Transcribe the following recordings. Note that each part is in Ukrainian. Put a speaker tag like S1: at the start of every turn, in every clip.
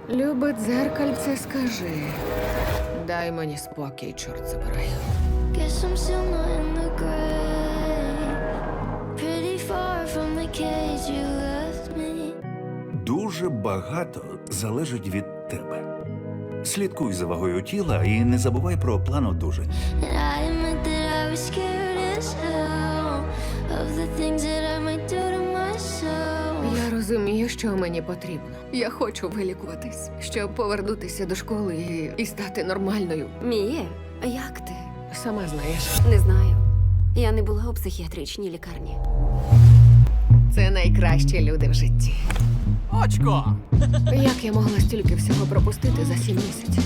S1: Любе дзеркальце, скажи. Дай мені спокій, чорт забирай.
S2: Guess I'm still not in the grave. Pretty far from the cage you left me.
S3: Дуже багато залежить від тебе. Слідкуй за вагою тіла і не забувай про план одужання.
S2: And I admit that I was scared as hell of the things that I might do to myself.
S1: Я розумію, що мені потрібно. Я хочу вилікуватись, щоб повернутися до школи і стати нормальною.
S4: Міє, як ти?
S1: Сама знаєш,
S4: Не знаю. Я не була у психіатричній лікарні.
S1: це найкращі люди в житті.
S5: Очко!
S1: Як я могла стільки всього пропустити за 7 місяців?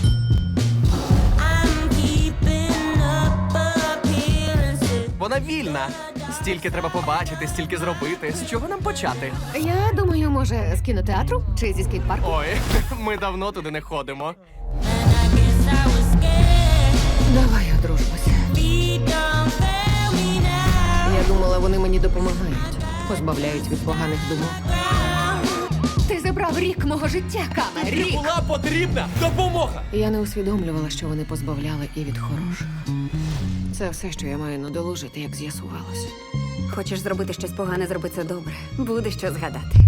S5: Вона вільна. Стільки треба побачити, стільки зробити. З чого нам почати?
S1: Я думаю, може, з кінотеатру чи зі скейт-парку?
S5: Ой, ми давно туди не ходимо.
S1: Давай одружимося. Я думала, вони мені допомагають, позбавляють від поганих думок. Ти забрав рік мого життя, Каме,
S5: Тобі
S1: рік!
S5: була потрібна допомога!
S1: Я не усвідомлювала, що вони позбавляли і від хорошого. Це все, що я маю надолужити, як з'ясувалося.
S4: Хочеш зробити щось погане, зроби це добре. Буде що згадати.